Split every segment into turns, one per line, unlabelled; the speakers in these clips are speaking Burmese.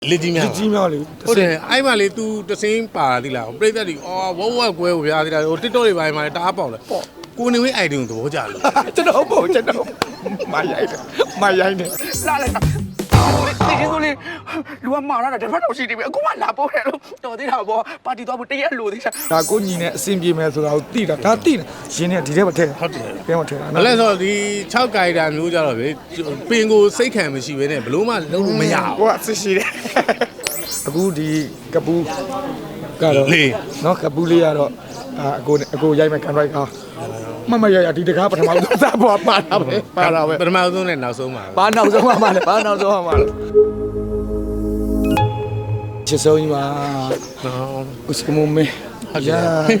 Lady Mally. Okay, I'm a little the same party. Play that what way we are there. Tito by my top on it. Kuni, I don't know.
My lu amara da fa do si di be aku ma la po he lo to ti da bo party to bu tye lo ti sa
ဒါကိုညီနဲ့အဆင်ပြေမယ်ဆိုတာကိုသိတာဒါသိတယ်ရှင်နဲ့ဒီထဲမှာထည့်ဟုတ်တယ်ထဲမှာထည့်တာ
နော်လဲဆိုဒီ6ကိုင်တာမျိုးကြတော့ဗျပင်ကိုစိတ်ခံမရှိဘဲနဲ့ဘလို့မှလုံးလို့မရဘူး
ကိုကဆစ်ရှိတယ်အခုဒီကပူးကတော့နော်ကပူးလေးကတော့အကိုရိုက်မဲ့ကန်ရိုက်ကားမရဒီတကားပထမဆုံးစားပေါ်ပါတာပဲ
ပထမဆုံးနဲ့နောက်ဆုံးပါ
ဘာနောက်ဆုံးမှလဲဘာနောက်ဆုံးမှလဲချစ်ဆုံးကြီးပါနော်ဦးစကမမေရာ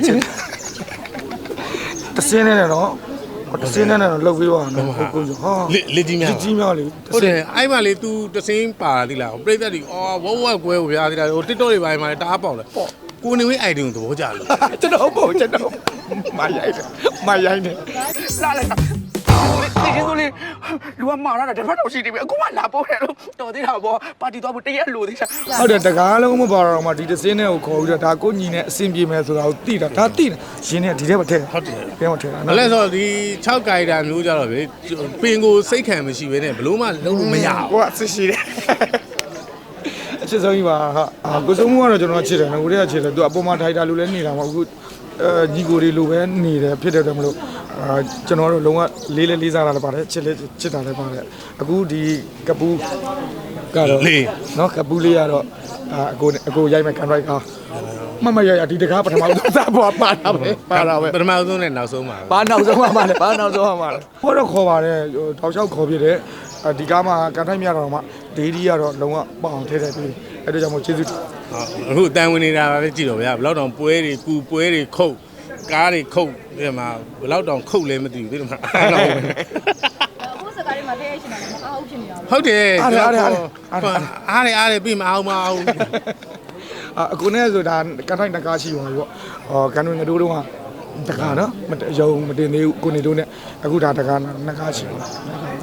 တစင်းနေနော်တစင်းနေတော့လောက်ပြီးတော့နော်ကိုဟာ
Lady Mally ဟုတ်တယ်အဲ့မှာလေ तू တစင်းပါသီလားပြိသက်ဒီဝက်ကွဲကိုဗျာသီလားဟို TikTok တွေပိုင်းမှာတအားပေါက်တယ်ကိုနေဝင်း item ကိုသဘောကျလို့
ကျွန်တော်မရိုက်တယ်
la la ti ke so le lu amara da fa do si di be aku ma la po he lo to ti da bo party to bu tye lo ti sa
ဟုတ်တယ်တကားလုံးမပါတော့မှဒီတစင်းနဲ့ကိုခေါ်ပြီးတော့ဒါကိုညီနဲ့အဆင်ပြေမယ်ဆိုတာကိုသိတာဒါသိတယ်ရှင်နဲ့ဒီထဲမှာထည့်
ဟုတ်တယ်
ထဲမှာထည့်တာ
နော်လဲဆိုဒီ6ကိုင်တာမျိုးကြတော့ဗျပင်ကိုစိတ်ခံမရှိဘဲနဲ့ဘလို့မှလုံးလို့မရဘူး
ကိုကဆစ်ရှိတယ်အချစ်ဆုံးကြီးပါဟာကိုစုံမှုကတော့ကျွန်တော်ချစ်တယ်နော်ကိုတွေကချစ်တယ်သူအပေါ်မှာထိုက်တာလူလည်းနေတာမဟုတ်ဘူးညီကိုတွေလိုပဲနေတယ်ဖြစ်တယ်တယ်မလို့ကျွန်တော်တို့လုံးဝလေးစားတာလည်းပါတယ်ချစ်တာလည်းပါတယ်အခုဒီကပူးကတော့နော်ကပူးလေးကတော့အကိုရိုက်မဲ့ကန်ရိုက်ကားမရဒီတကားပထမဆုံးစားပေါ်ပါတာပဲ
ပထမဆုံးနဲ့နောက်ဆုံးပါ
ဘာနောက်ဆုံးမှလဲခေါ်တော့ခေါ်ပါတယ်တောက်လျှောက်ခေါ်ပြတယ်ဒီကားမှာကန်ထိုက်မြတော့မှဒေဒီကတော့လုံးဝပေါ့အောင်ထဲထည့်ပြီးအဲ့ဒါကြောင့်မို့ကျေးဇူး
အခုအတန်ဝင်နေတာပဲကြည့်တော့ဗျာဘလောက်တောင်ပွဲတွေကူပွဲတွေခုတ်ကားတွေခုတ်ဒီမှာဘလောက်တောင်ခုတ်လဲမသိဘူးဒီမှာ
ကိုယ်စကားလေးမှာထည့်ရရှင်တာမအားဘူးဖြစ်နေတာ
ဟုတ်တယ်အားရပြီးမအောင်
အခုနဲ့ဆိုတာကန်ထိုက်တကားရှိပါပြီပေါ့ကန်ဝင်ငတိုးတော့တကားနော်ရုံမတင်သေးဘူးကိုနေတို့နဲ့အခုဒါတကားနှစ်ကားရှိပါ
မ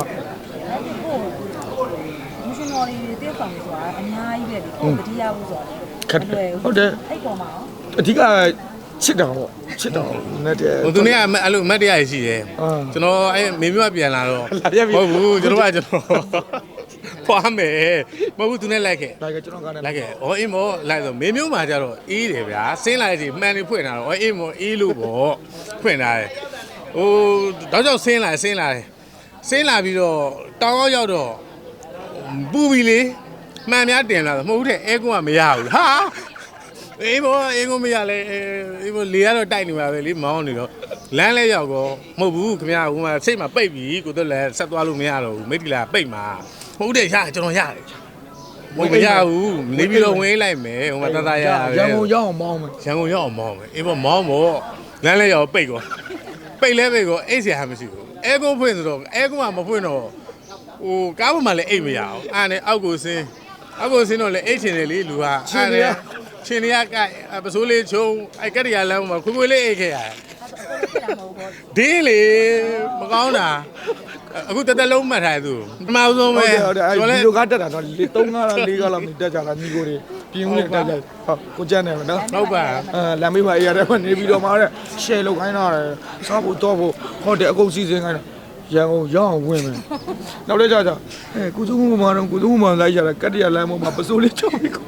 ရှင်တော်လေးတဲ့ဆောင်ဆိုတာအများကြီးပဲဒီကိုတတိယဘူးဆိုတာ
ခက်ဟုတ်တယ်
အဲ့ပေါ်မှာရော
အဓိကချစ်တာနဲ့တဲ့
ဟိုသူနေ့ကအဲ့လိုမတ်တရားရှိတယ်ကျွန်တော်အဲ့မေမျိုးကပြန်လာတော့ဟုတ်ဘူးကျွန်တော်ဖွားမယ်မဟုတ်ဘူးသူနဲ့လိုက်ခဲ့
လိုက်ကကျွန်တော်ကလည်း
လိုက်ခဲ့အေးမောလိုက်ဆိုမေမျိုးမှာကျတော့အေးတယ်ဗျာဆင်းလာစီမှန်နေဖွင့်လာတော့အေးမောအေးလို့ပေါ့ဖွင့်လာတယ်ဟိုတော့ကြောက်ဆင်းလာပြီးတော့တောင်းရောက်တော့ပူပြီလေမှန်များတင်လာတော့မဟုတ်တဲ့အဲကွန်းကမရဘူးဟာအေးဘောအေးကွန်းမရလဲအေးဘောလေကတော့တိုက်နေပါပဲလေမောင်းနေတော့လမ်းလဲရောက်တော့မဟုတ်ဘူးခင်ဗျာဟိုမှာစိတ်မှာပိတ်ပြီကိုတော့လည်းဆက်သွားလို့မရတော့ဘူးမိတ်တီလာပိတ်မှာမဟုတ်တဲ့ရကျွန်တော်ရတယ်မရဘူးနေပြီးတော့ဝင်လိုက်မယ်ဟိုမှာတတရရပဲ
ရန်ကုန်ရောက်အောင်မောင်းမယ်
ရန်ကုန်ရောက်အောင်မောင်းမယ်အေးဘောမောင်းမို့လမ်းလဲရောက်ပိတ်ကောပိတ်လဲပိတ်ကောအိတ်เสียဟာမရှိဘူးအဲကွန်းဖွင့်ဆိုတော့အဲကွန်းကမဖွင့်တော့ဟိုကားပေါ်မှာလည်းအိတ်မရအောင်အားနဲ့အောက်ကိုဆင်းတော့လေအိတ်ချင်တယ်လေလူကအားနဲ့ချင်းရကပစိုးလေးချုံအဲ့ကတရလမ်းမှာခွေလေးအိတ်ခဲ့ရတယ်ဒင်းလေမကောင်းတာအခုတက်လုံးမှတ်ထားသူပထမဆုံးပဲ
ဟုတ်တယ်အဲ့ဒီလိုကတက်တာတော့3 4လောက်နေတက်ကြတာညီကိုတွေပြင်းဦးနဲ့တက်ကြဟုတ်ကိုကျန်းတယ်နော်
ဟုတ်ပါ
လမ်းမေးပါအေးရတယ်ကနေပြီးတော့မှတဲ့ share လုပ်ခိုင်းတာစားဖို့တော့ဖို့ဟုတ်တယ်အကုန်စီစဉ်ခိုင်းတာရန်ကုန်ရောက်အောင်ဝင်မယ်နောက်လည်းကြာကုစုမှုမှာတော့ကုစုမှုမှာလိုက်ကြတာကတရလမ်းပေါ်မှာပစိုးလေးချုပ်ပြီး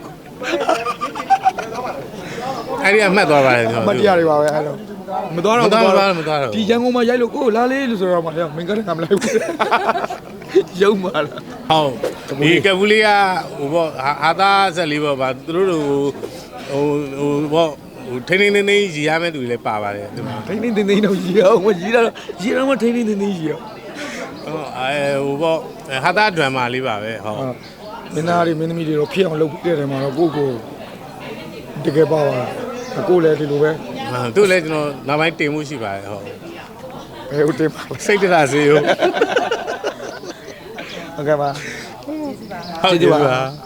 အဲ့ဒီကမှတ်သွားပါတယ်ကျွန်
မ
တော်
တရားတွေပါပဲအဲ့လိုမသွားတော့ ဒီရန်ကုန်မှာရိုက်လို့ကိုလာလေးလို့ဆိုတော့မှမင်းကလည်းကမလိုက်ဘူးရုံပါလား
ဟုတ်ဒီကပူလေးကဟိုပေါ့ဟာသားဆက်လေးပေါ့ဗာသူတို့ဟိုပေါ့ဟိုထိန်းနေရီရမယ့်သူတွေလည်းပါပါတယ်ဒီမှာ
ထိန်းတော့ရီအောင်ရီတော့မထိန်းရီအောင်
ဟိုပေါ့ဟာသားဒရမ်မာလေးပါပဲဟုတ်
မင်းသားတွေမင်းသမီးတွေတော့ဖြစ်အောင်လုပ်ပြတဲ့မှာတော့ကိုတကယ်ပါပါကိုလည်းဒီလိုပဲ
သူ့လည်းကျွန်တော်နောက်ပိုင်းတင်မှုရှိပါတယ်ဟုတ်
ဘယ်ဦးတင်ပါ
စိတ်တရစေရော
ဟုတ်ကဲ့ပါ
ကျေးဇူးပါ
ဟုတ်ကဲ့ပါ